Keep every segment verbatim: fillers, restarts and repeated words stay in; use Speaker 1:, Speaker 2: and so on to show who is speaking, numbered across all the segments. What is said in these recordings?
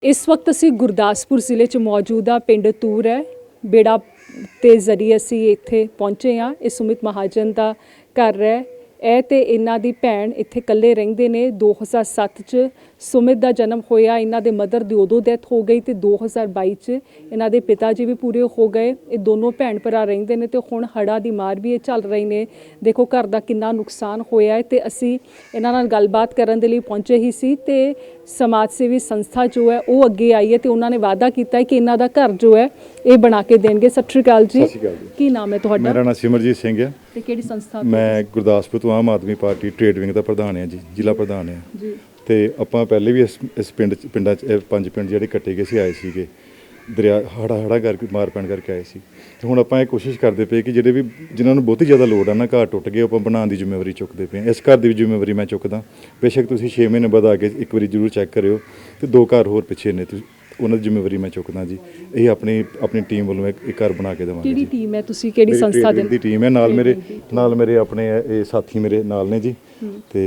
Speaker 1: इस वक्त असी गुरदासपुर जिले च मौजूद आ पिंड तूर है बेड़ा ते जरिए असी इत्थे पहुंचे हाँ। ये सुमित महाजन का घर है। ਇਹ ਤੇ ਇਹਨਾਂ ਦੀ ਭੈਣ ਇੱਥੇ ਇਕੱਲੇ ਰਹਿੰਦੇ ਨੇ। दो हज़ार सात ਚ ਸੁਮਿਤ ਦਾ ਜਨਮ ਹੋਇਆ। ਇਹਨਾਂ ਦੇ ਮਦਰ ਦੀ ਉਦੋਂ ਡੈਥ ਹੋ ਗਈ ਤੇ दो हज़ार बाईस ਚ ਇਹਨਾਂ ਦੇ ਪਿਤਾ ਜੀ ਵੀ ਪੂਰੇ ਹੋ ਗਏ। ਇਹ ਦੋਨੋਂ ਭੈਣ ਭਰਾ ਰਹਿੰਦੇ ਨੇ ਤੇ ਹੁਣ ਹੜ੍ਹਾਂ ਦੀ ਮਾਰ ਵੀ ਇਹ ਚੱਲ ਰਹੀ ਨੇ। ਦੇਖੋ ਘਰ ਦਾ ਕਿੰਨਾ ਨੁਕਸਾਨ ਹੋਇਆ ਹੈ ਤੇ ਅਸੀਂ ਇਹਨਾਂ ਨਾਲ ਗੱਲਬਾਤ ਕਰਨ ਦੇ ਲਈ ਪਹੁੰਚੇ ਹੀ ਸੀ ਤੇ ਸਮਾਜ ਸੇਵੀ ਸੰਸਥਾ ਜੋ ਹੈ ਉਹ ਅੱਗੇ ਆਈ ਹੈ ਤੇ ਉਹਨਾਂ ਨੇ ਵਾਅਦਾ ਕੀਤਾ ਹੈ ਕਿ ਇਹਨਾਂ ਦਾ ਘਰ ਜੋ ਹੈ ਇਹ ਬਣਾ ਕੇ ਦੇਣਗੇ। ਸਤਿ ਸ਼੍ਰੀ ਅਕਾਲ ਜੀ। ਕੀ ਨਾਮ ਹੈ ਤੁਹਾਡਾ?
Speaker 2: ਮੇਰਾ ਨਾਮ ਸਿਮਰਜੀਤ ਸਿੰਘ ਹੈ
Speaker 1: ਤੇ ਕਿਹੜੀ ਸੰਸਥਾ?
Speaker 2: ਮੈਂ ਗੁਰਦਾਸਪੁਰ ਤੋਂ Aam Aadmi Party trade wing ਦਾ ਪ੍ਰਧਾਨ ਹਾਂ ਜੀ, ਜ਼ਿਲ੍ਹਾ ਪ੍ਰਧਾਨ ਹਾਂ
Speaker 1: ਜੀ।
Speaker 2: ਤੇ ਆਪਾਂ ਪਹਿਲੇ ਵੀ ਇਸ ਇਸ ਪਿੰਡ ਚ ਪਿੰਡਾਂ 'ਚ ਇਹ ਪੰਜ ਪਿੰਡ ਜਿਹੜੇ ਕੱਟੇ ਗਏ ਸੀ ਆਏ ਸੀਗੇ ਦਰਿਆ ਹੜਾ ਹੜਾ ਕਰਕੇ ਮਾਰ ਪੈਣ ਕਰਕੇ ਆਏ ਸੀ ਤੇ ਹੁਣ ਆਪਾਂ ਇਹ ਕੋਸ਼ਿਸ਼ ਕਰਦੇ ਪਏ ਕਿ ਜਿਹੜੇ ਵੀ ਜਿਨ੍ਹਾਂ ਨੂੰ ਬਹੁਤੀ ਜ਼ਿਆਦਾ ਲੋੜ ਆ ਨਾ ਘਰ ਟੁੱਟ ਗਏ ਆਪਾਂ ਬਣਾਉਣ ਦੀ ਜ਼ਿੰਮੇਵਾਰੀ ਚੁੱਕਦੇ ਪਏ। ਇਸ ਘਰ ਦੀ ਵੀ ਜ਼ਿੰਮੇਵਾਰੀ ਮੈਂ ਚੁੱਕਦਾ। ਬੇਸ਼ੱਕ ਤੁਸੀਂ ਛੇ ਮਹੀਨੇ ਬਾਅਦ ਆ ਕੇ ਇੱਕ ਵਾਰੀ ਜ਼ਰੂਰ ਚੈੱਕ ਕਰਿਓ ਤੇ ਦੋ ਘਰ ਹੋਰ ਪਿੱਛੇ ਨੇ, ਤੁਸੀਂ ਉਹਨਾਂ ਦੀ ਜ਼ਿੰਮੇਵਾਰੀ ਮੈਂ ਚੁੱਕਦਾ ਜੀ। ਇਹ ਆਪਣੀ ਆਪਣੀ ਟੀਮ ਵੱਲੋਂ ਇੱਕ ਘਰ ਬਣਾ ਕੇ ਦੇਵਾਂਗੇ।
Speaker 1: ਕਿਹੜੀ ਟੀਮ ਹੈ? ਤੁਸੀਂ ਕਿਹੜੀ ਸੰਸਥਾ
Speaker 2: ਦੀ ਟੀਮ ਹੈ? ਨਾਲ ਮੇਰੇ ਨਾਲ ਮੇਰੇ ਆਪਣੇ ਇਹ ਸਾਥੀ ਮੇਰੇ ਨਾਲ ਨੇ ਜੀ ਤੇ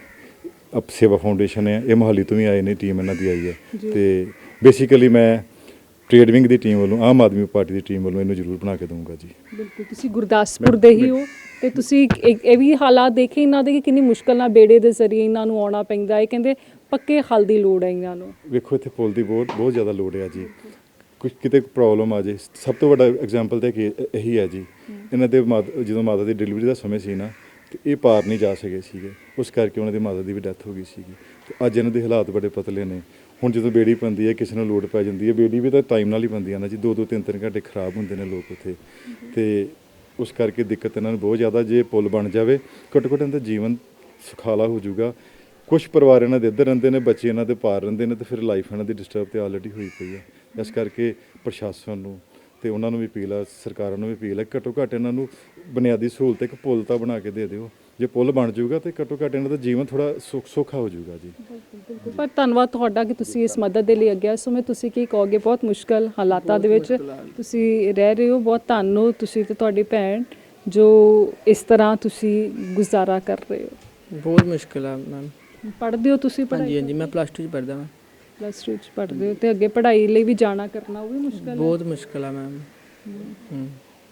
Speaker 2: ਅਪ ਸੇਵਾ ਫਾਊਂਡੇਸ਼ਨ ਹੈ, ਇਹ ਮੋਹਾਲੀ ਤੋਂ ਵੀ ਆਏ ਨੇ, ਟੀਮ ਇਹਨਾਂ ਦੀ ਆਈ ਹੈ ਤੇ ਬੇਸਿਕਲੀ ਮੈਂ ਟ੍ਰੇਡ ਵਿੰਗ ਦੀ ਟੀਮ ਵੱਲੋਂ ਆਮ ਆਦਮੀ ਪਾਰਟੀ ਦੀ ਟੀਮ ਵੱਲੋਂ ਇਹਨੂੰ ਜ਼ਰੂਰ ਬਣਾ ਕੇ ਦਊਂਗਾ ਜੀ।
Speaker 1: ਬਿਲਕੁਲ। ਤੁਸੀਂ ਗੁਰਦਾਸਪੁਰ ਦੇ ਹੀ ਹੋ ਤੇ ਤੁਸੀਂ ਇਹ ਵੀ ਹਾਲਾਤ ਦੇਖੇ ਇਹਨਾਂ ਦੇ ਕਿ ਕਿੰਨੀ ਮੁਸ਼ਕਲ ਨਾਲ ਬੇੜੇ ਦੇ ਜ਼ਰੀਏ ਇਹਨਾਂ ਨੂੰ ਆਉਣਾ ਪੈਂਦਾ ਹੈ। ਕਹਿੰਦੇ ਪੱਕੇ ਹੱਲ ਦੀ ਲੋੜ ਹੈ ਇਹਨਾਂ ਨੂੰ।
Speaker 2: ਵੇਖੋ ਇੱਥੇ ਪੁਲ ਦੀ ਬਹੁਤ ਬਹੁਤ ਜ਼ਿਆਦਾ ਲੋੜ ਹੈ ਜੀ। ਕੁਝ ਕਿਤੇ ਪ੍ਰੋਬਲਮ ਆ ਜੇ, ਸਭ ਤੋਂ ਵੱਡਾ ਐਗਜ਼ਾਮਪਲ ਤਾਂ ਕਿ ਇਹੀ ਹੈ ਜੀ। ਇਹਨਾਂ ਦੇ ਮਾਤਾ ਜਦੋਂ ਮਾਤਾ ਦੀ ਡਿਲੀਵਰੀ ਦਾ ਸਮੇਂ ਸੀ ਨਾ ਤੇ ਇਹ ਪਾਰ ਨਹੀਂ ਜਾ ਸਕੇ ਸੀਗੇ, ਉਸ ਕਰਕੇ ਉਹਨਾਂ ਦੀ ਮਾਤਾ ਦੀ ਵੀ ਡੈਥ ਹੋ ਗਈ ਸੀਗੀ ਤੇ ਅੱਜ ਇਹਨਾਂ ਦੇ ਹਾਲਾਤ ਬੜੇ ਪਤਲੇ ਨੇ। ਹੁਣ ਜਦੋਂ ਬੇੜੀ ਪੈਂਦੀ ਹੈ ਕਿਸੇ ਨੂੰ ਲੋੜ ਪੈ ਜਾਂਦੀ ਹੈ, ਬੇੜੀ ਵੀ ਤਾਂ ਟਾਈਮ ਨਾਲ ਹੀ ਪੈਂਦੀ ਆ ਨਾ ਜੀ। ਦੋ ਦੋ ਤਿੰਨ ਤਿੰਨ ਘੰਟੇ ਖਰਾਬ ਹੁੰਦੇ ਨੇ ਲੋਕ ਉੱਥੇ ਤੇ ਉਸ ਕਰਕੇ ਦਿੱਕਤ ਇਹਨਾਂ ਨੂੰ ਬਹੁਤ ਜ਼ਿਆਦਾ। ਜੇ ਪੁਲ ਬਣ ਜਾਵੇ ਘੱਟੋ ਘੱਟ ਇਹਨਾਂ ਦਾ ਜੀਵਨ ਸੁਖਾਲਾ ਹੋ ਜਾਊਗਾ। ਕੁਛ ਪਰਿਵਾਰ ਇਹਨਾਂ ਦੇ ਇੱਧਰ ਰਹਿੰਦੇ ਨੇ, ਬੱਚੇ ਇਹਨਾਂ ਦੇ ਪਾਰ ਰਹਿੰਦੇ ਨੇ ਤੇ ਫਿਰ ਲਾਈਫ ਇਹਨਾਂ ਦੀ ਡਿਸਟਰਬ ਤੇ ਆਲਰੇਡੀ ਹੋਈ ਪਈ ਹੈ। ਇਸ ਕਰਕੇ ਪ੍ਰਸ਼ਾਸਨ ਨੂੰ ਤੇ ਉਹਨਾਂ ਨੂੰ ਵੀ ਅਪੀਲ ਆ, ਸਰਕਾਰਾਂ ਨੂੰ ਵੀ ਅਪੀਲ ਹੈ, ਘੱਟੋ ਘੱਟ ਇਹਨਾਂ ਨੂੰ ਬੁਨਿਆਦੀ ਸਹੂਲਤ ਇੱਕ ਪੁਲ ਤਾਂ ਬਣਾ ਕੇ ਦੇ ਦਿਓ। ਜੇ ਪੁਲ ਬਣ ਜਾਊਗਾ ਤੇ ਘੱਟੋ ਘੱਟ ਇਹਨਾਂ ਦਾ ਜੀਵਨ ਥੋੜਾ ਸੁੱਖ ਸੌਖਾ ਹੋ ਜਾਊਗਾ ਜੀ।
Speaker 1: ਪਰ ਧੰਨਵਾਦ ਤੁਹਾਡਾ ਕਿ ਤੁਸੀਂ ਇਸ ਮਦਦ ਦੇ ਲਈ ਅੱਗੇ ਆਏ। ਸੋ ਮੈਂ ਤੁਸੀਂ ਕੀ ਕਹੋਗੇ? ਬਹੁਤ ਮੁਸ਼ਕਲ ਹਾਲਾਤਾਂ ਦੇ ਵਿੱਚ ਤੁਸੀਂ ਰਹਿ ਰਹੇ ਹੋ। ਬਹੁਤ ਧੰਨਵਾਦ ਤੁਸੀਂ ਤੇ ਤੁਹਾਡੀ ਭੈਣ ਜੋ ਇਸ ਤਰ੍ਹਾਂ ਤੁਸੀਂ ਗੁਜ਼ਾਰਾ ਕਰ ਰਹੇ ਹੋ।
Speaker 3: ਬਹੁਤ ਮੁਸ਼ਕਿਲ ਆ ਮੈਮ।
Speaker 1: ਪੜ੍ਹਦੇ ਹੋ ਤੁਸੀਂ?
Speaker 3: ਹਾਂਜੀ ਹਾਂਜੀ, ਮੈਂ ਪਲੱਸ ਟੂ 'ਚ ਪੜ੍ਹਦਾ ਮੈਂ।
Speaker 1: ਪਲੱਸ ਟੂ 'ਚ ਪੜ੍ਹਦੇ ਹੋ ਤੇ ਅੱਗੇ ਪੜ੍ਹਾਈ ਲਈ ਵੀ ਜਾਣਾ ਕਰਨਾ ਉਹ ਵੀ ਮੁਸ਼ਕਲ ਹੈ?
Speaker 3: ਬਹੁਤ ਮੁਸ਼ਕਿਲ ਆ ਮੈਮ। ਹੂੰ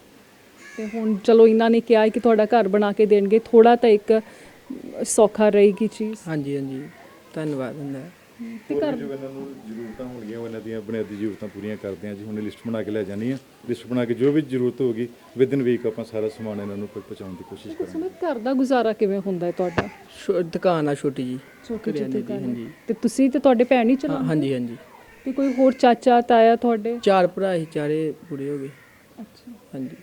Speaker 1: ਤੇ ਹੁਣ ਚਲੋ ਇਹਨਾਂ ਨੇ ਕਿਹਾ ਕਿ ਤੁਹਾਡਾ ਘਰ ਬਣਾ ਕੇ ਦੇਣਗੇ, ਥੋੜਾ ਤਾਂ ਇੱਕ ਸੌਖਾ ਰਹੇਗੀ ਚੀਜ਼।
Speaker 3: ਹਾਂਜੀ ਹਾਂਜੀ, ਧੰਨਵਾਦ ਹੁੰਦਾ।
Speaker 1: ਤੇ ਘਰ
Speaker 2: ਜੋ ਇਹਨਾਂ ਨੂੰ ਜ਼ਰੂਰਤਾਂ ਹੋਣਗੀਆਂ ਉਹ ਇਹਨਾਂ ਦੀਆਂ ਬੁਨਿਆਦੀ ਜ਼ਰੂਰਤਾਂ ਪੂਰੀਆਂ ਕਰਦੇ ਹਾਂ ਜੀ। ਹੁਣ ਲਿਸਟ ਬਣਾ ਕੇ ਲੈ ਜਾਣੀ ਹੈ। ਲਿਸਟ ਬਣਾ ਕੇ ਜੋ ਵੀ ਜ਼ਰੂਰਤ ਹੋਊਗੀ ਵਿਦਿਨ ਵੀਕ ਆਪਾਂ ਸਾਰਾ ਸਮਾਨ ਇਹਨਾਂ ਨੂੰ ਪਹੁੰਚਾਉਣ ਦੀ ਕੋਸ਼ਿਸ਼ ਕਰਾਂਗੇ।
Speaker 1: ਸੁਮਿਤ, ਘਰ ਦਾ ਗੁਜ਼ਾਰਾ ਕਿਵੇਂ ਹੁੰਦਾ ਹੈ ਤੁਹਾਡਾ?
Speaker 3: ਦੁਕਾਨ ਆ ਛੋਟੀ ਜੀ।
Speaker 1: ਛੋਟੀ ਜਿਹੀ ਦੁਕਾਨ ਹੈ।
Speaker 3: ਹਾਂਜੀ।
Speaker 1: ਤੇ ਤੁਸੀਂ ਤੇ ਤੁਹਾਡੇ ਭੈਣ ਹੀ ਚਲਾਉਂਦੇ?
Speaker 3: ਹਾਂਜੀ ਹਾਂਜੀ।
Speaker 1: ਤੇ ਕੋਈ ਹੋਰ ਚਾਚਾ ਤਾਇਆ ਤੁਹਾਡੇ?
Speaker 3: ਚਾਰ ਭਰਾ ਸੀ, ਚਾਰੇ ਪੂਰੇ ਹੋ ਗਏ।
Speaker 1: ਅੱਛਾ,
Speaker 3: ਹਾਂਜੀ।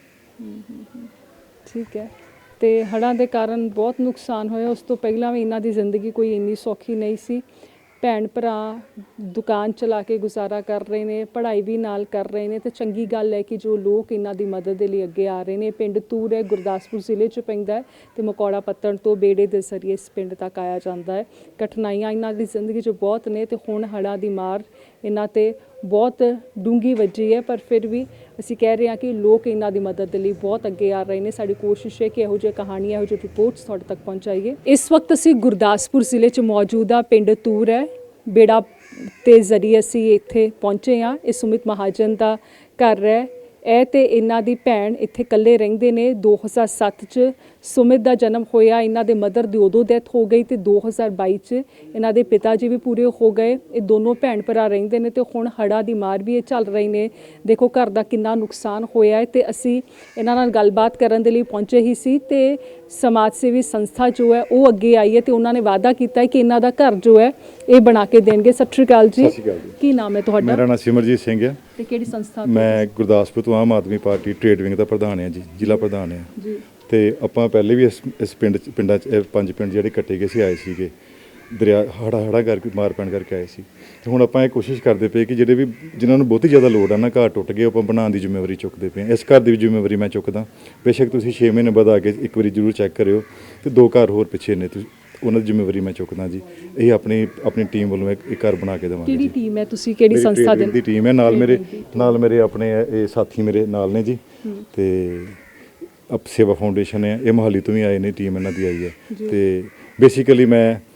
Speaker 1: ਠੀਕ ਹੈ। ਤੇ ਹੜ੍ਹਾਂ ਦੇ ਕਾਰਨ ਬਹੁਤ ਨੁਕਸਾਨ ਹੋਇਆ। ਉਸ ਤੋਂ ਪਹਿਲਾਂ ਵੀ ਇਹਨਾਂ ਦੀ ਜ਼ਿੰਦਗੀ ਕੋਈ ਇੰਨੀ ਸੌਖੀ ਨਹੀਂ ਸੀ। ਭੈਣ ਭਰਾ ਦੁਕਾਨ ਚਲਾ ਕੇ ਗੁਜ਼ਾਰਾ ਕਰ ਰਹੇ ਨੇ, ਪੜ੍ਹਾਈ ਵੀ ਨਾਲ ਕਰ ਰਹੇ ਨੇ ਤੇ ਚੰਗੀ ਗੱਲ ਹੈ ਕਿ ਜੋ ਲੋਕ ਇਹਨਾਂ ਦੀ ਮਦਦ ਦੇ ਲਈ ਅੱਗੇ ਆ ਰਹੇ ਨੇ। ਪਿੰਡ ਤੂਰ ਹੈ, ਗੁਰਦਾਸਪੁਰ ਜ਼ਿਲ੍ਹੇ 'ਚ ਪੈਂਦਾ ਹੈ ਤੇ ਮਕੌੜਾ ਪੱਤਣ ਤੋਂ ਬੇੜੇ ਦੇ ਜ਼ਰੀਏ ਇਸ ਪਿੰਡ ਤੱਕ ਆਇਆ ਜਾਂਦਾ ਹੈ। ਕਠਿਨਾਈਆਂ ਇਹਨਾਂ ਦੀ ਜ਼ਿੰਦਗੀ 'ਚ ਬਹੁਤ ਨੇ ਤੇ ਹੁਣ ਹੜ੍ਹਾਂ ਦੀ ਮਾਰ ਇਹਨਾਂ 'ਤੇ ਬਹੁਤ ਡੂੰਘੀ ਵੱਜੀ ਹੈ। ਪਰ ਫਿਰ ਵੀ ਅਸੀਂ ਕਹਿ ਰਹੇ ਹਾਂ ਕਿ ਲੋਕ ਇਹਨਾਂ ਦੀ ਮਦਦ ਦੇ ਲਈ ਬਹੁਤ ਅੱਗੇ ਆ ਰਹੇ ਨੇ। ਸਾਡੀ ਕੋਸ਼ਿਸ਼ ਹੈ ਕਿ ਇਹੋ ਜਿਹੀਆਂ ਕਹਾਣੀਆਂ, ਇਹੋ ਜਿਹੀ ਰਿਪੋਰਟਸ ਤੁਹਾਡੇ ਤੱਕ ਪਹੁੰਚਾਈਏ। ਇਸ ਵਕਤ ਅਸੀਂ ਗੁਰਦਾਸਪੁਰ ਜ਼ਿਲ੍ਹੇ 'ਚ ਮੌਜੂਦ ਆ ਪਿੰਡ ਤੂਰ ਹੈ बेड़ा ते जरिए असी इत्थे पहुंचे हाँ। ये सुमित महाजन का घर है। ਇਹ ਤੇ ਇਹਨਾਂ ਦੀ ਭੈਣ ਇੱਥੇ ਇਕੱਲੇ ਰਹਿੰਦੇ ਨੇ। दो हज़ार सात ਚ ਸੁਮਿਤ ਦਾ ਜਨਮ ਹੋਇਆ। ਇਹਨਾਂ ਦੇ ਮਦਰ ਦੀ ਉਦੋਂ ਡੈਥ ਹੋ ਗਈ ਤੇ दो हज़ार बाईस ਚ ਇਹਨਾਂ ਦੇ ਪਿਤਾ ਜੀ ਵੀ ਪੂਰੇ ਹੋ ਗਏ। ਇਹ ਦੋਨੋਂ ਭੈਣ ਭਰਾ ਰਹਿੰਦੇ ਨੇ ਤੇ ਹੁਣ ਹੜ੍ਹਾਂ ਦੀ ਮਾਰ ਵੀ ਇਹ ਚੱਲ ਰਹੀ ਨੇ। ਦੇਖੋ ਘਰ ਦਾ ਕਿੰਨਾ ਨੁਕਸਾਨ ਹੋਇਆ ਹੈ ਤੇ ਅਸੀਂ ਇਹਨਾਂ ਨਾਲ ਗੱਲਬਾਤ ਕਰਨ ਦੇ ਲਈ ਪਹੁੰਚੇ ਹੀ ਸੀ ਤੇ ਸਮਾਜ ਸੇਵੀ ਸੰਸਥਾ ਜੋ ਹੈ ਉਹ ਅੱਗੇ ਆਈ ਹੈ ਤੇ ਉਹਨਾਂ ਨੇ ਵਾਅਦਾ ਕੀਤਾ ਹੈ ਕਿ ਇਹਨਾਂ ਦਾ ਘਰ ਜੋ ਹੈ ਇਹ ਬਣਾ ਕੇ ਦੇਣਗੇ। ਸਤਿ ਸ਼੍ਰੀ ਅਕਾਲ ਜੀ। ਕੀ ਨਾਮ ਹੈ ਤੁਹਾਡਾ?
Speaker 2: ਮੇਰਾ ਨਾਮ ਸਿਮਰਜੀਤ ਸਿੰਘ ਹੈ
Speaker 1: ਤੇ ਕਿਹੜੀ ਸੰਸਥਾ?
Speaker 2: ਮੈਂ ਗੁਰਦਾਸਪੁਰ ਤੋਂ Aam Aadmi Party trade wing ਦਾ ਪ੍ਰਧਾਨ ਹਾਂ ਜੀ, ਜ਼ਿਲ੍ਹਾ ਪ੍ਰਧਾਨ ਹਾਂ
Speaker 1: ਜੀ।
Speaker 2: ਤੇ ਆਪਾਂ ਪਹਿਲੇ ਵੀ ਇਸ ਇਸ ਪਿੰਡ 'ਚ ਪਿੰਡਾਂ 'ਚ ਇਹ ਪੰਜ ਪਿੰਡ ਜਿਹੜੇ ਕੱਟੇ ਗਏ ਸੀ ਆਏ ਸੀਗੇ ਦਰਿਆ ਹੜਾ ਹੜਾ ਕਰਕੇ ਮਾਰ ਪੈਣ ਕਰਕੇ ਆਏ ਸੀ ਤੇ ਹੁਣ ਆਪਾਂ ਇਹ ਕੋਸ਼ਿਸ਼ ਕਰਦੇ ਪਏ ਕਿ ਜਿਹੜੇ ਵੀ ਜਿਨ੍ਹਾਂ ਨੂੰ ਬਹੁਤੀ ਜ਼ਿਆਦਾ ਲੋੜ ਆ ਨਾ ਘਰ ਟੁੱਟ ਗਏ ਆਪਾਂ ਬਣਾਉਣ ਦੀ ਜ਼ਿੰਮੇਵਾਰੀ ਚੁੱਕਦੇ ਪਏ। ਇਸ ਘਰ ਦੀ ਵੀ ਜ਼ਿੰਮੇਵਾਰੀ ਮੈਂ ਚੁੱਕਦਾ। ਬੇਸ਼ੱਕ ਤੁਸੀਂ ਛੇ ਮਹੀਨੇ ਬਾਅਦ ਆ ਕੇ ਇੱਕ ਵਾਰੀ ਜ਼ਰੂਰ ਚੈੱਕ ਕਰਿਓ ਤੇ ਦੋ ਘਰ ਹੋਰ ਪਿੱਛੇ ਨੇ, ਤੁਸੀਂ ਉਹਨਾਂ ਦੀ ਜ਼ਿੰਮੇਵਾਰੀ ਮੈਂ ਚੁੱਕਦਾ ਜੀ। ਇਹ ਆਪਣੀ ਆਪਣੀ ਟੀਮ ਵੱਲੋਂ ਇੱਕ ਘਰ ਬਣਾ ਕੇ ਦੇਵਾਂਗੇ।
Speaker 1: ਕਿਹੜੀ ਟੀਮ ਹੈ? ਤੁਸੀਂ ਕਿਹੜੀ ਸੰਸਥਾ ਦੇ?
Speaker 2: ਦੀ ਟੀਮ ਹੈ। ਨਾਲ ਮੇਰੇ ਨਾਲ ਮੇਰੇ ਆਪਣੇ ਇਹ ਸਾਥੀ ਮੇਰੇ ਨਾਲ ਨੇ ਜੀ ਤੇ ਅਪ ਸੇਵਾ ਫਾਊਂਡੇਸ਼ਨ ਹੈ, ਇਹ ਮੋਹਾਲੀ ਤੋਂ ਵੀ ਆਏ ਨੇ, ਟੀਮ ਇਹਨਾਂ ਦੀ ਆਈ ਹੈ ਤੇ ਬੇਸਿਕਲੀ ਮੈਂ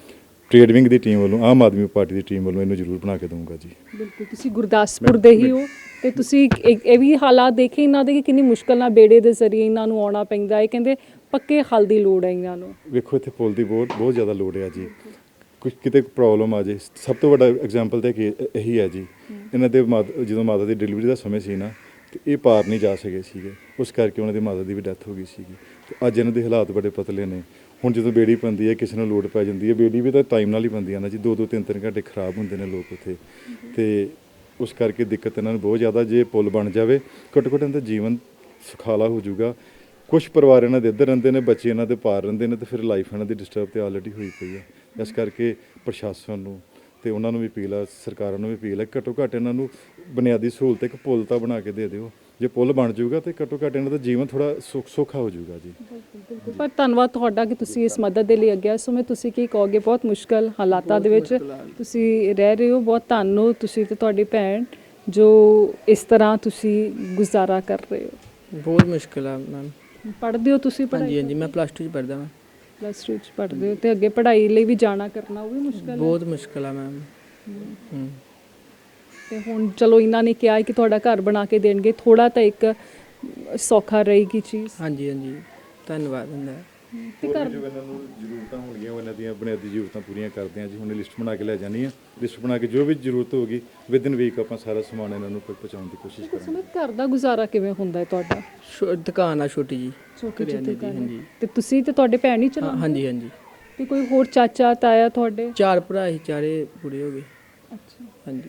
Speaker 2: ਟ੍ਰੇਡ ਵਿੰਗ ਦੀ ਟੀਮ ਵੱਲੋਂ, ਆਮ ਆਦਮੀ ਪਾਰਟੀ ਦੀ ਟੀਮ ਵੱਲੋਂ ਇਹਨੂੰ ਜ਼ਰੂਰ ਬਣਾ ਕੇ ਦਊਂਗਾ ਜੀ।
Speaker 1: ਬਿਲਕੁਲ, ਤੁਸੀਂ ਗੁਰਦਾਸਪੁਰ ਦੇ ਹੀ ਹੋ ਤੇ ਤੁਸੀਂ ਇਹ ਇਹ ਵੀ ਹਾਲਾਤ ਦੇਖੇ ਇਹਨਾਂ ਦੇ ਕਿ ਕਿੰਨੀ ਮੁਸ਼ਕਲ ਨਾਲ ਬੇੜੇ ਦੇ ਜ਼ਰੀਏ ਇਹਨਾਂ ਨੂੰ ਆਉਣਾ ਪੈਂਦਾ ਹੈ। ਕਹਿੰਦੇ ਪੱਕੇ ਹੱਲ ਦੀ ਲੋੜ ਹੈ ਇਹਨਾਂ ਨੂੰ।
Speaker 2: ਵੇਖੋ ਇੱਥੇ ਪੁਲ ਦੀ ਬਹੁਤ ਬਹੁਤ ਜ਼ਿਆਦਾ ਲੋੜ ਹੈ ਜੀ। ਕੁਝ ਕਿਤੇ ਪ੍ਰੋਬਲਮ ਆ ਜੇ, ਸਭ ਤੋਂ ਵੱਡਾ ਐਗਜ਼ਾਮਪਲ ਤਾਂ ਕਿ ਇਹੀ ਹੈ ਜੀ। ਇਹਨਾਂ ਦੇ ਮਾਤਾ ਜਦੋਂ ਮਾਤਾ ਦੀ ਡਿਲੀਵਰੀ ਦਾ ਸਮੇਂ ਸੀ ਨਾ, ਤੇ ਇਹ ਪਾਰ ਨਹੀਂ ਜਾ ਸਕੇ ਸੀਗੇ, ਉਸ ਕਰਕੇ ਉਹਨਾਂ ਦੀ ਮਾਤਾ ਦੀ ਵੀ ਡੈਥ ਹੋ ਗਈ ਸੀਗੀ। ਤੇ ਅੱਜ ਇਹਨਾਂ ਦੇ ਹਾਲਾਤ ਬੜੇ ਪਤਲੇ ਨੇ। ਹੁਣ ਜਦੋਂ ਬੇੜੀ ਪੈਂਦੀ ਹੈ, ਕਿਸੇ ਨੂੰ ਲੋੜ ਪੈ ਜਾਂਦੀ ਹੈ, ਬੇੜੀ ਵੀ ਤਾਂ ਟਾਈਮ ਨਾਲ ਹੀ ਪੈਂਦੀ ਹੈ ਨਾ ਜੀ। ਦੋ ਦੋ ਤਿੰਨ ਤਿੰਨ ਘੰਟੇ ਖਰਾਬ ਹੁੰਦੇ ਨੇ ਲੋਕ ਉੱਥੇ, ਤੇ ਉਸ ਕਰਕੇ ਦਿੱਕਤ ਇਹਨਾਂ ਨੂੰ ਬਹੁਤ ਜ਼ਿਆਦਾ। ਜੇ ਪੁਲ ਬਣ ਜਾਵੇ, ਘੱਟੋ ਘੱਟ ਇਹਨਾਂ ਦਾ ਜੀਵਨ ਸੁਖਾਲਾ ਹੋ ਜਾਊਗਾ। ਕੁਝ ਪਰਿਵਾਰ ਇਹਨਾਂ ਦੇ ਇੱਧਰ ਰਹਿੰਦੇ ਨੇ, ਬੱਚੇ ਇਹਨਾਂ ਦੇ ਪਾਰ ਰਹਿੰਦੇ ਨੇ, ਤੇ ਫਿਰ ਲਾਈਫ ਇਹਨਾਂ ਦੀ ਡਿਸਟਰਬ ਤੇ ਆਲਰੇਡੀ ਹੋਈ ਪਈ ਹੈ। ਇਸ ਕਰਕੇ ਪ੍ਰਸ਼ਾਸਨ ਨੂੰ ਤੇ ਉਹਨਾਂ ਨੂੰ ਵੀ ਅਪੀਲ ਆ, ਸਰਕਾਰਾਂ ਨੂੰ ਵੀ ਅਪੀਲ ਹੈ, ਘੱਟੋ ਘੱਟ ਇਹਨਾਂ ਨੂੰ ਬੁਨਿਆਦੀ ਸਹੂਲਤ ਇੱਕ ਪੁਲ ਤਾਂ ਬਣਾ ਕੇ ਦੇ ਦਿਓ। ਜੇ ਪੁਲ ਬਣ ਜਾਊਗਾ ਤੇ ਘੱਟੋ ਘੱਟ ਇਹਨਾਂ ਦਾ ਜੀਵਨ ਥੋੜਾ ਸੁੱਖ ਸੌਖਾ ਹੋ ਜਾਊਗਾ ਜੀ।
Speaker 1: ਪਰ ਧੰਨਵਾਦ ਤੁਹਾਡਾ ਕਿ ਤੁਸੀਂ ਇਸ ਮਦਦ ਦੇ ਲਈ ਅੱਗੇ ਆਏ। ਸੋ ਮੈਂ ਤੁਸੀਂ ਕੀ ਕਹੋਗੇ, ਬਹੁਤ ਮੁਸ਼ਕਲ ਹਾਲਾਤਾਂ ਦੇ ਵਿੱਚ ਤੁਸੀਂ ਰਹਿ ਰਹੇ ਹੋ। ਬਹੁਤ ਧੰਨਵਾਦ ਤੁਸੀਂ ਤੇ ਤੁਹਾਡੀ ਭੈਣ ਜੋ ਇਸ ਤਰ੍ਹਾਂ ਤੁਸੀਂ ਗੁਜ਼ਾਰਾ ਕਰ ਰਹੇ ਹੋ।
Speaker 3: ਬਹੁਤ ਮੁਸ਼ਕਿਲ ਆ ਮੈਮ।
Speaker 1: ਪੜ੍ਹਦੇ ਹੋ ਤੁਸੀਂ?
Speaker 3: ਹਾਂਜੀ
Speaker 1: ਪੜ੍ਹਾਈ
Speaker 3: ਹਾਂਜੀ, ਮੈਂ ਪਲੱਸ ਟੂ 'ਚ ਪੜ੍ਹਦਾ ਮੈਂ।
Speaker 1: ਪਲੱਸ ਟੂ 'ਚ ਪੜ੍ਹਦੇ ਹੋ ਤੇ ਅੱਗੇ ਪੜ੍ਹਾਈ ਲਈ ਵੀ ਜਾਣਾ ਕਰਨਾ ਉਹ ਵੀ ਮੁਸ਼ਕਲ ਹੈ।
Speaker 3: ਬਹੁਤ ਮੁਸ਼ਕਿਲ ਆ ਮੈਮ। ਹੂੰ।
Speaker 1: ਤੇ ਹੁਣ ਚਲੋ ਇਹਨਾਂ ਨੇ ਕਿਹਾ ਹੈ ਕਿ ਤੁਹਾਡਾ ਘਰ ਬਣਾ ਕੇ ਦੇਣਗੇ, ਥੋੜਾ ਤਾਂ ਇੱਕ ਸੌਖਾ ਰਹੇਗੀ ਚੀਜ਼।
Speaker 3: ਹਾਂਜੀ ਹਾਂਜੀ, ਧੰਨਵਾਦ ਹੁੰਦਾ।
Speaker 1: ਤੇ ਘਰ
Speaker 2: ਜੋ ਇਹਨਾਂ ਨੂੰ ਜ਼ਰੂਰਤਾਂ ਹੋਣਗੀਆਂ ਉਹ ਇਹਨਾਂ ਦੀਆਂ ਬੁਨਿਆਦੀ ਜ਼ਰੂਰਤਾਂ ਪੂਰੀਆਂ ਕਰਦੇ ਹਾਂ ਜੀ। ਹੁਣ ਲਿਸਟ ਬਣਾ ਕੇ ਲੈ ਜਾਣੀ ਆ। ਲਿਸਟ ਬਣਾ ਕੇ ਜੋ ਵੀ ਜ਼ਰੂਰਤ ਹੋਗੀ ਵਿਦਿਨ ਵੀਕ ਆਪਾਂ ਸਾਰਾ ਸਮਾਨ ਇਹਨਾਂ ਨੂੰ ਪਹੁੰਚਾਉਣ ਦੀ ਕੋਸ਼ਿਸ਼ ਕਰਾਂਗੇ।
Speaker 1: ਸੁਮਿਤ, ਘਰ ਦਾ ਗੁਜ਼ਾਰਾ ਕਿਵੇਂ ਹੁੰਦਾ ਹੈ ਤੁਹਾਡਾ?
Speaker 3: ਛੋ- ਦੁਕਾਨ ਆ ਛੋਟੀ ਜੀ।
Speaker 1: ਛੋਟੀ ਜਿਹੀ
Speaker 3: ਕਰਿਆਨੇ ਦੀ,
Speaker 1: ਦੁਕਾਨ ਹੈ।
Speaker 3: ਹਾਂਜੀ
Speaker 1: ਤੇ ਤੁਸੀਂ ਤੇ ਤੁਹਾਡੇ ਭੈਣ ਹੀ
Speaker 3: ਹਾਂ,
Speaker 1: ਚਲਾਉਂਦੇ?
Speaker 3: ਹਾਂਜੀ ਹਾਂਜੀ।
Speaker 1: ਤੇ ਕੋਈ ਹੋਰ ਚਾਚਾ ਤਾਇਆ ਤੁਹਾਡੇ?
Speaker 3: ਚਾਰ ਭਰਾ ਸੀ, ਚਾਰੇ ਪੂਰੇ ਹੋ ਗਏ।
Speaker 1: ਅੱਛਾ,
Speaker 3: ਹਾਂਜੀ।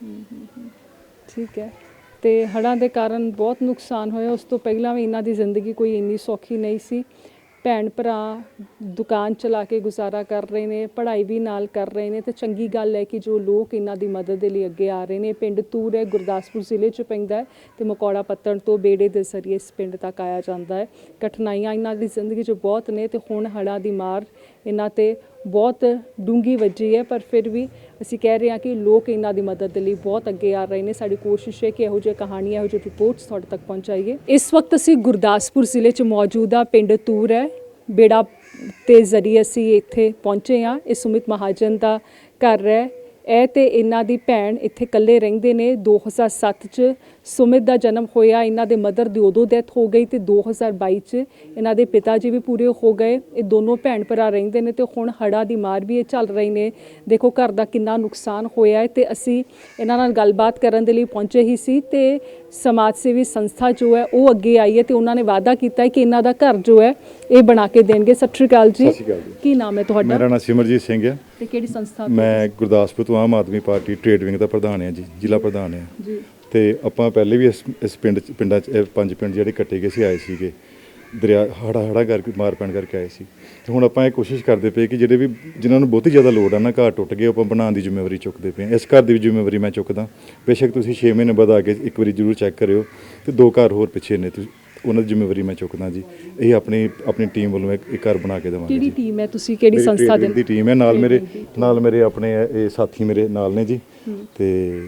Speaker 1: ਠੀਕ ਹੈ। ਤੇ ਹੜ੍ਹਾਂ ਦੇ ਕਾਰਨ ਬਹੁਤ ਨੁਕਸਾਨ ਹੋਇਆ। ਉਸ ਤੋਂ ਪਹਿਲਾਂ ਵੀ ਇਹਨਾਂ ਦੀ ਜ਼ਿੰਦਗੀ ਕੋਈ ਇੰਨੀ ਸੌਖੀ ਨਹੀਂ ਸੀ। ਭੈਣ ਭਰਾ ਦੁਕਾਨ ਚਲਾ ਕੇ ਗੁਜ਼ਾਰਾ ਕਰ ਰਹੇ ਨੇ, ਪੜ੍ਹਾਈ ਵੀ ਨਾਲ ਕਰ ਰਹੇ ਨੇ, ਤੇ ਚੰਗੀ ਗੱਲ ਹੈ ਕਿ ਜੋ ਲੋਕ ਇਹਨਾਂ ਦੀ ਮਦਦ ਦੇ ਲਈ ਅੱਗੇ ਆ ਰਹੇ ਨੇ। ਪਿੰਡ ਤੂਰ ਹੈ, ਗੁਰਦਾਸਪੁਰ ਜ਼ਿਲ੍ਹੇ 'ਚ ਪੈਂਦਾ ਹੈ, ਤੇ ਮਕੌੜਾ ਪੱਤਣ ਤੋਂ ਬੇੜੇ ਦੇ ਜ਼ਰੀਏ ਇਸ ਪਿੰਡ ਤੱਕ ਆਇਆ ਜਾਂਦਾ ਹੈ। ਕਠਿਨਾਈਆਂ ਇਹਨਾਂ ਦੀ ਜ਼ਿੰਦਗੀ 'ਚ ਬਹੁਤ ਨੇ, ਤੇ ਹੁਣ ਹੜ੍ਹਾਂ ਦੀ ਮਾਰ ਇਹਨਾਂ 'ਤੇ ਬਹੁਤ ਡੂੰਘੀ ਵੱਜੀ ਹੈ। ਪਰ ਫਿਰ ਵੀ ਅਸੀਂ ਕਹਿ ਰਹੇ ਹਾਂ ਕਿ ਲੋਕ ਇਹਨਾਂ ਦੀ ਮਦਦ ਦੇ ਲਈ ਬਹੁਤ ਅੱਗੇ ਆ ਰਹੇ ਨੇ। ਸਾਡੀ ਕੋਸ਼ਿਸ਼ ਹੈ ਕਿ ਇਹੋ ਜਿਹੀ ਕਹਾਣੀਆਂ, ਇਹੋ ਜਿਹੀ ਰਿਪੋਰਟਸ ਤੁਹਾਡੇ ਤੱਕ ਪਹੁੰਚਾਈਏ। ਇਸ ਵਕਤ ਅਸੀਂ ਗੁਰਦਾਸਪੁਰ ਜ਼ਿਲ੍ਹੇ 'ਚ ਮੌਜੂਦ ਹਾਂ, ਪਿੰਡ ਤੂਰ ਹੈ। ਬੇੜਾ ਤੇ ਜ਼ਰੀਏ ਅਸੀਂ ਇੱਥੇ ਪਹੁੰਚੇ ਹਾਂ। ਇਹ ਸੁਮਿਤ ਮਹਾਜਨ ਦਾ ਘਰ ਹੈ। ਇਹ ਤੇ ਇਹਨਾਂ ਦੀ ਭੈਣ ਇੱਥੇ ਇਕੱਲੇ ਰਹਿੰਦੇ ਨੇ। ਦੋ ਹਜ਼ਾਰ ਸੱਤ 'ਚ ਸੁਮਿਤ ਦਾ ਜਨਮ ਹੋਇਆ। ਇਹਨਾਂ ਦੇ ਮਦਰ ਦੀ ਉਦੋਂ ਡੈਥ ਹੋ ਗਈ, ਤੇ ਦੋ ਹਜ਼ਾਰ ਬਾਈ 'ਚ ਇਹਨਾਂ ਦੇ ਪਿਤਾ ਜੀ ਵੀ ਪੂਰੇ ਹੋ ਗਏ। ਇਹ ਦੋਨੋਂ ਭੈਣ ਭਰਾ ਰਹਿੰਦੇ ਨੇ, ਤੇ ਹੁਣ ਹੜ੍ਹਾਂ ਦੀ ਮਾਰ ਵੀ ਇਹ ਚੱਲ ਰਹੀ ਨੇ। ਦੇਖੋ ਘਰ ਦਾ ਕਿੰਨਾ ਨੁਕਸਾਨ ਹੋਇਆ ਹੈ। ਤੇ ਅਸੀਂ ਇਹਨਾਂ ਨਾਲ ਗੱਲਬਾਤ ਕਰਨ ਦੇ ਲਈ ਪਹੁੰਚੇ ਹੀ ਸੀ, ਤੇ ਸਮਾਜ ਸੇਵੀ ਸੰਸਥਾ ਜੋ ਹੈ ਉਹ ਅੱਗੇ ਆਈ ਹੈ, ਤੇ ਉਹਨਾਂ ਨੇ ਵਾਅਦਾ ਕੀਤਾ ਹੈ ਕਿ ਇਹਨਾਂ ਦਾ ਘਰ ਜੋ ਹੈ ਇਹ ਬਣਾ ਕੇ ਦੇਣਗੇ। ਸਤਿ ਸ਼੍ਰੀ ਅਕਾਲ ਜੀ।
Speaker 2: ਸਤਿ ਸ਼੍ਰੀ ਅਕਾਲ ਜੀ।
Speaker 1: ਕੀ ਨਾਮ ਹੈ ਤੁਹਾਡਾ?
Speaker 2: ਮੇਰਾ ਨਾਮ ਸਿਮਰਜੀਤ ਸਿੰਘ ਹੈ।
Speaker 1: ਤੇ ਕਿਹੜੀ ਸੰਸਥਾ ਤੋਂ?
Speaker 2: ਮੈਂ ਗੁਰਦਾਸਪੁਰ ਤੋਂ Aam Aadmi Party trade wing ਦਾ ਪ੍ਰਧਾਨ ਹਾਂ ਜੀ, ਜ਼ਿਲ੍ਹਾ ਪ੍ਰਧਾਨ ਹਾਂ।
Speaker 1: ਜੀ।
Speaker 2: ਤੇ ਆਪਾਂ ਪਹਿਲੇ ਵੀ ਇਸ ਇਸ ਪਿੰਡ 'ਚ ਪਿੰਡਾਂ 'ਚ ਇਹ ਪੰਜ ਪਿੰਡ ਜਿਹੜੇ ਕੱਟੇ ਗਏ ਸੀ ਆਏ ਸੀਗੇ, ਦਰਿਆ ਹੜਾ ਹੜਾ ਕਰਕੇ ਮਾਰ ਪੈਣ ਕਰਕੇ ਆਏ ਸੀ। ਤੇ ਹੁਣ ਆਪਾਂ ਇਹ ਕੋਸ਼ਿਸ਼ ਕਰਦੇ ਪਏ ਕਿ ਜਿਹੜੇ ਵੀ ਜਿਨ੍ਹਾਂ ਨੂੰ ਬਹੁਤੀ ਜ਼ਿਆਦਾ ਲੋੜ ਆ ਨਾ, ਘਰ ਟੁੱਟ ਗਏ, ਆਪਾਂ ਬਣਾਉਣ ਦੀ ਜ਼ਿੰਮੇਵਾਰੀ ਚੁੱਕਦੇ ਪਏ ਹਾਂ। ਇਸ ਘਰ ਦੀ ਵੀ ਜ਼ਿੰਮੇਵਾਰੀ ਮੈਂ ਚੁੱਕਦਾ। ਬੇਸ਼ੱਕ ਤੁਸੀਂ ਛੇ ਮਹੀਨੇ ਬਾਅਦ ਆ ਕੇ ਇੱਕ ਵਾਰੀ ਜ਼ਰੂਰ ਚੈੱਕ ਕਰਿਓ, ਤੇ ਦੋ ਘਰ ਹੋਰ ਪਿੱਛੇ ਨੇ, ਤੁਸੀਂ ਉਹਨਾਂ ਦੀ ਜ਼ਿੰਮੇਵਾਰੀ ਮੈਂ ਚੁੱਕਦਾ ਜੀ। ਇਹ ਆਪਣੀ ਆਪਣੀ ਟੀਮ ਵੱਲੋਂ ਇੱਕ ਇੱਕ ਘਰ ਬਣਾ ਕੇ ਦੇਵਾਂਗੇ
Speaker 1: ਕਿਹੜੀ
Speaker 2: ਜੀ।
Speaker 1: ਟੀਮ ਹੈ ਤੁਸੀਂ? ਕਿਹੜੀ
Speaker 2: ਮੇਰੀ
Speaker 1: ਸੰਸਥਾ ਦੇ?
Speaker 2: trade ਦੀ ਟੀਮ ਹੈ। ਨਾਲ ਮੇਰੇ ਨਾਲ ਮੇਰੇ ਆਪਣੇ ਇਹ ਸਾਥੀ ਮੇਰੇ ਨਾਲ ਨੇ ਜੀ। ਤੇ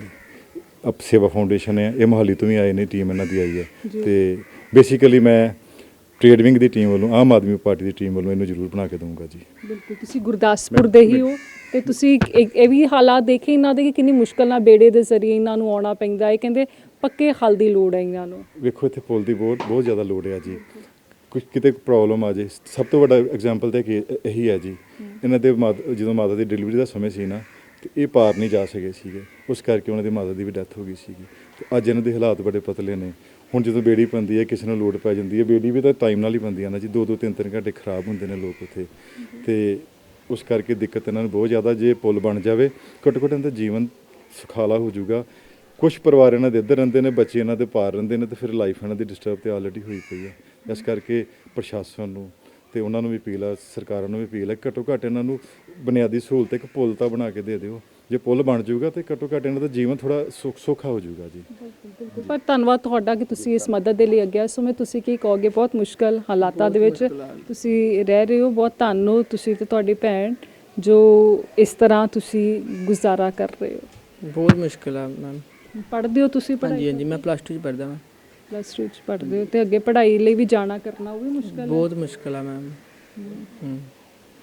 Speaker 2: ਅਪ ਸੇਵਾ ਫਾਊਂਡੇਸ਼ਨ ਹੈ, ਇਹ ਮੋਹਾਲੀ ਤੋਂ ਵੀ ਆਏ ਨੇ, ਟੀਮ ਇਹਨਾਂ ਦੀ ਆਈ ਹੈ। ਤੇ ਬੇਸਿਕਲੀ ਮੈਂ ਟ੍ਰੇਡ ਵਿੰਗ ਦੀ ਟੀਮ ਵੱਲੋਂ, ਆਮ ਆਦਮੀ ਪਾਰਟੀ ਦੀ ਟੀਮ ਵੱਲੋਂ ਇਹਨੂੰ ਜ਼ਰੂਰ ਬਣਾ ਕੇ ਦਊਂਗਾ ਜੀ।
Speaker 1: ਬਿਲਕੁਲ, ਤੁਸੀਂ ਗੁਰਦਾਸਪੁਰ ਦੇ ਹੀ ਹੋ ਤੇ ਤੁਸੀਂ ਇਹ ਇਹ ਵੀ ਹਾਲਾਤ ਦੇਖੇ ਇਹਨਾਂ ਦੇ ਕਿ ਕਿੰਨੀ ਮੁਸ਼ਕਲ ਨਾਲ ਬੇੜੇ ਦੇ ਜ਼ਰੀਏ ਇਹਨਾਂ ਨੂੰ ਆਉਣਾ ਪੈਂਦਾ ਹੈ। ਕਹਿੰਦੇ ਪੱਕੇ ਹੱਲ ਦੀ ਲੋੜ ਹੈ ਇਹਨਾਂ ਨੂੰ।
Speaker 2: ਵੇਖੋ ਇੱਥੇ ਪੁਲ ਦੀ ਬਹੁਤ ਬਹੁਤ ਜ਼ਿਆਦਾ ਲੋੜ ਹੈ ਜੀ। ਕੁਝ ਕਿਤੇ ਪ੍ਰੋਬਲਮ ਆ ਜੇ, ਸਭ ਤੋਂ ਵੱਡਾ ਐਗਜ਼ਾਮਪਲ ਤਾਂ ਕਿ ਇਹੀ ਹੈ ਜੀ। ਇਹਨਾਂ ਦੇ ਮਾਤਾ ਜਦੋਂ ਮਾਤਾ ਦੀ ਡਿਲੀਵਰੀ ਦਾ ਸਮੇਂ ਸੀ ਨਾ, ਤੇ ਇਹ ਪਾਰ ਨਹੀਂ ਜਾ ਸਕੇ ਸੀਗੇ, ਉਸ ਕਰਕੇ ਉਹਨਾਂ ਦੀ ਮਾਤਾ ਦੀ ਵੀ ਡੈਥ ਹੋ ਗਈ ਸੀਗੀ। ਤੇ ਅੱਜ ਇਹਨਾਂ ਦੇ ਹਾਲਾਤ ਬੜੇ ਪਤਲੇ ਨੇ। ਹੁਣ ਜਦੋਂ ਬੇੜੀ ਪੈਂਦੀ ਹੈ, ਕਿਸੇ ਨੂੰ ਲੋੜ ਪੈ ਜਾਂਦੀ ਹੈ, ਬੇੜੀ ਵੀ ਤਾਂ ਟਾਈਮ ਨਾਲ ਹੀ ਪੈਂਦੀ ਹੈ ਨਾ ਜੀ। ਦੋ ਦੋ ਤਿੰਨ ਤਿੰਨ ਘੰਟੇ ਖਰਾਬ ਹੁੰਦੇ ਨੇ ਲੋਕ ਉੱਥੇ, ਤੇ ਉਸ ਕਰਕੇ ਦਿੱਕਤ ਇਹਨਾਂ ਨੂੰ ਬਹੁਤ ਜ਼ਿਆਦਾ। ਜੇ ਪੁਲ ਬਣ ਜਾਵੇ, ਘੱਟੋ ਘੱਟ ਇਹਨਾਂ ਦਾ ਜੀਵਨ ਸੁਖਾਲਾ ਹੋ ਜਾਊਗਾ। ਕੁਝ ਪਰਿਵਾਰ ਇਹਨਾਂ ਦੇ ਇੱਧਰ ਰਹਿੰਦੇ ਨੇ, ਬੱਚੇ ਇਹਨਾਂ ਦੇ ਪਾਰ ਰਹਿੰਦੇ ਨੇ, ਤੇ ਫਿਰ ਲਾਈਫ ਇਹਨਾਂ ਦੀ ਡਿਸਟਰਬ ਤੇ ਆਲਰੇਡੀ ਹੋਈ ਪਈ ਹੈ। ਇਸ ਕਰਕੇ ਪ੍ਰਸ਼ਾਸਨ ਨੂੰ ਤੇ ਉਹਨਾਂ ਨੂੰ ਵੀ ਅਪੀਲ ਆ, ਸਰਕਾਰਾਂ ਨੂੰ ਵੀ ਅਪੀਲ ਹੈ, ਘੱਟੋ ਘੱਟ ਇਹਨਾਂ ਨੂੰ ਬੁਨਿਆਦੀ ਸਹੂਲਤ ਇੱਕ ਪੁਲ ਤਾਂ ਬਣਾ ਕੇ ਦੇ ਦਿਓ। ਜੇ ਪੁਲ ਬਣ ਜਾਊਗਾ ਤੇ ਘੱਟੋ ਘੱਟ ਇਹਨਾਂ ਦਾ ਜੀਵਨ ਥੋੜਾ ਸੁੱਖ ਸੌਖਾ ਹੋ ਜਾਊਗਾ ਜੀ।
Speaker 1: ਪਰ ਧੰਨਵਾਦ ਤੁਹਾਡਾ ਕਿ ਤੁਸੀਂ ਇਸ ਮਦਦ ਦੇ ਲਈ ਅੱਗੇ ਆਏ। ਸੋ ਮੈਂ ਤੁਸੀਂ ਕੀ ਕਹੋਗੇ, ਬਹੁਤ ਮੁਸ਼ਕਲ ਹਾਲਾਤਾਂ ਦੇ ਵਿੱਚ ਤੁਸੀਂ ਰਹਿ ਰਹੇ ਹੋ। ਬਹੁਤ ਧੰਨਵਾਦ ਤੁਸੀਂ ਤੇ ਤੁਹਾਡੀ ਭੈਣ ਜੋ ਇਸ ਤਰ੍ਹਾਂ ਤੁਸੀਂ ਗੁਜ਼ਾਰਾ ਕਰ ਰਹੇ ਹੋ।
Speaker 3: ਬਹੁਤ ਮੁਸ਼ਕਿਲ ਆ ਮੈਮ।
Speaker 1: ਪੜ੍ਹਦੇ ਹੋ ਤੁਸੀਂ?
Speaker 3: ਹਾਂਜੀ
Speaker 1: ਪੜ੍ਹਾਈ
Speaker 3: ਹਾਂਜੀ, ਮੈਂ ਪਲੱਸ ਟੂ 'ਚ ਪੜ੍ਹਦਾ ਮੈਂ।
Speaker 1: ਪਲੱਸ ਟੂ 'ਚ ਪੜ੍ਹਦੇ ਹੋ ਤੇ ਅੱਗੇ ਪੜ੍ਹਾਈ ਲਈ ਵੀ ਜਾਣਾ ਕਰਨਾ ਉਹ ਵੀ ਮੁਸ਼ਕਲ ਹੈ?
Speaker 3: ਬਹੁਤ ਮੁਸ਼ਕਿਲ ਆ ਮੈਮ। ਹੂੰ।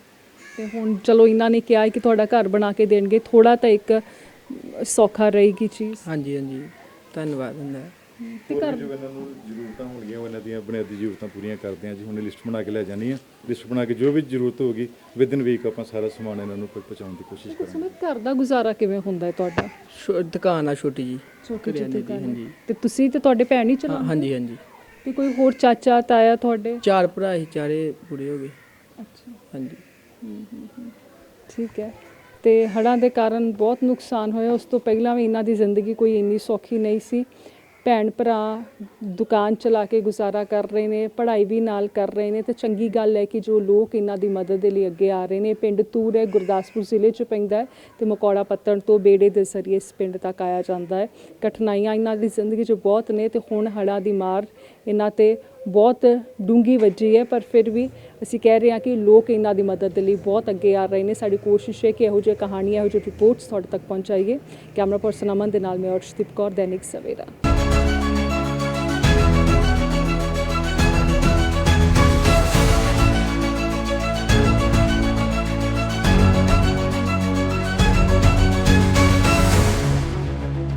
Speaker 1: ਤੇ ਹੁਣ ਚਲੋ ਇਹਨਾਂ ਨੇ ਕਿਹਾ ਹੈ ਕਿ ਤੁਹਾਡਾ ਘਰ ਬਣਾ ਕੇ ਦੇਣਗੇ, ਥੋੜਾ ਤਾਂ ਇੱਕ ਸੌਖਾ ਰਹੇਗੀ ਚੀਜ਼।
Speaker 3: ਹਾਂਜੀ ਹਾਂਜੀ ਧੰਨਵਾਦ ਹੁੰਦਾ ਹੈ।
Speaker 1: ਤੇ
Speaker 2: ਹੋਰ
Speaker 1: ਘਰ
Speaker 2: ਵੀ ਜੋ ਇਹਨਾਂ ਨੂੰ ਜ਼ਰੂਰਤਾਂ ਹੋਣਗੀਆਂ ਉਹ ਇਹਨਾਂ ਦੀਆਂ ਬੁਨਿਆਦੀ ਜ਼ਰੂਰਤਾਂ ਪੂਰੀਆਂ ਕਰਦੇ ਹਾਂ ਜੀ। ਹੁਣ ਲਿਸਟ ਬਣਾ ਕੇ ਲੈ ਜਾਣੀ ਆ, ਲਿਸਟ ਬਣਾ ਕੇ ਜੋ ਵੀ ਜ਼ਰੂਰਤ ਹੋਗੀ ਵਿਦਨ ਵੀਕ ਆਪਾਂ ਸਾਰਾ ਸਮਾਨ ਇਹਨਾਂ ਨੂੰ ਪਹੁੰਚਾਉਣ ਦੀ ਕੋਸ਼ਿਸ਼ ਕਰਾਂਗੇ।
Speaker 1: ਸੁਮਿਤ, ਘਰ ਦਾ ਗੁਜ਼ਾਰਾ ਕਿਵੇਂ ਹੁੰਦਾ ਹੈ ਤੁਹਾਡਾ?
Speaker 3: ਛੋ- ਦੁਕਾਨ ਆ ਛੋਟੀ ਜੀ
Speaker 1: ਛੋਟੀ ਜਿਹੀ
Speaker 3: ਕਰਿਆਨੇ ਦੀ,
Speaker 1: ਦੁਕਾਨ ਹੈ।
Speaker 3: ਹਾਂਜੀ
Speaker 1: ਤੇ ਤੁਸੀਂ ਤੇ ਤੁਹਾਡੇ ਭੈਣ ਹੀ
Speaker 3: ਹਾਂ,
Speaker 1: ਚਲਾਉਂਦੇ?
Speaker 3: ਹਾਂਜੀ ਹਾਂਜੀ
Speaker 1: ਤੇ ਕੋਈ ਹੋਰ ਚਾਚਾ ਤਾਇਆ ਤੁਹਾਡੇ?
Speaker 3: ਚਾਰ ਭਰਾ ਸੀ, ਚਾਰੇ ਪੂਰੇ ਹੋ ਗਏ।
Speaker 1: ਅੱਛਾ,
Speaker 3: ਹਾਂਜੀ
Speaker 1: ਠੀਕ ਹੈ। ਤੇ ਹੜ੍ਹਾਂ ਦੇ ਕਾਰਨ ਬਹੁਤ ਨੁਕਸਾਨ ਹੋਇਆ, ਉਸ ਤੋਂ ਪਹਿਲਾਂ ਵੀ ਇਹਨਾਂ ਦੀ ਜ਼ਿੰਦਗੀ ਕੋਈ ਇੰਨੀ ਸੌਖੀ ਨਹੀਂ ਸੀ। ਭੈਣ ਭਰਾ ਦੁਕਾਨ ਚਲਾ ਕੇ ਗੁਜ਼ਾਰਾ ਕਰ ਰਹੇ ਨੇ, ਪੜ੍ਹਾਈ ਵੀ ਨਾਲ ਕਰ ਰਹੇ ਨੇ, ਤੇ ਚੰਗੀ ਗੱਲ ਹੈ ਕਿ ਜੋ ਲੋਕ ਇਹਨਾਂ ਦੀ ਮਦਦ ਦੇ ਲਈ ਅੱਗੇ ਆ ਰਹੇ ਨੇ। ਪਿੰਡ ਤੂਰ ਹੈ, ਗੁਰਦਾਸਪੁਰ ਜ਼ਿਲ੍ਹੇ 'ਚ ਪੈਂਦਾ ਹੈ, ਤੇ ਮਕੌੜਾ ਪੱਤਣ ਤੋਂ ਬੇੜੇ ਦੇ ਜ਼ਰੀਏ ਇਸ ਪਿੰਡ ਤੱਕ ਆਇਆ ਜਾਂਦਾ ਹੈ। ਕਠਿਨਾਈਆਂ ਇਹਨਾਂ ਦੀ ਜ਼ਿੰਦਗੀ 'ਚ ਬਹੁਤ ਨੇ, ਤੇ ਹੁਣ ਹੜ੍ਹਾਂ ਦੀ ਮਾਰ ਇਹਨਾਂ 'ਤੇ ਬਹੁਤ ਡੂੰਘੀ ਵੱਜੀ ਹੈ, ਪਰ ਫਿਰ ਵੀ ਅਸੀਂ ਕਹਿ ਰਹੇ ਹਾਂ ਕਿ ਲੋਕ ਇਹਨਾਂ ਦੀ ਮਦਦ ਦੇ ਲਈ ਬਹੁਤ ਅੱਗੇ ਆ ਰਹੇ ਨੇ। ਸਾਡੀ ਕੋਸ਼ਿਸ਼ ਹੈ ਕਿ ਇਹੋ ਜਿਹੇ ਕਹਾਣੀਆਂ, ਇਹੋ ਜਿਹੇ ਰਿਪੋਰਟਸ ਤੁਹਾਡੇ ਤੱਕ ਪਹੁੰਚਾਈਏ। ਕੈਮਰਾ ਪਰਸਨ ਅਮਨ ਦੇ ਨਾਲ ਮੈਂ ਅਰਸ਼ਦੀਪ ਕੌਰ, ਦੈਨਿਕ ਸਵੇਰਾ।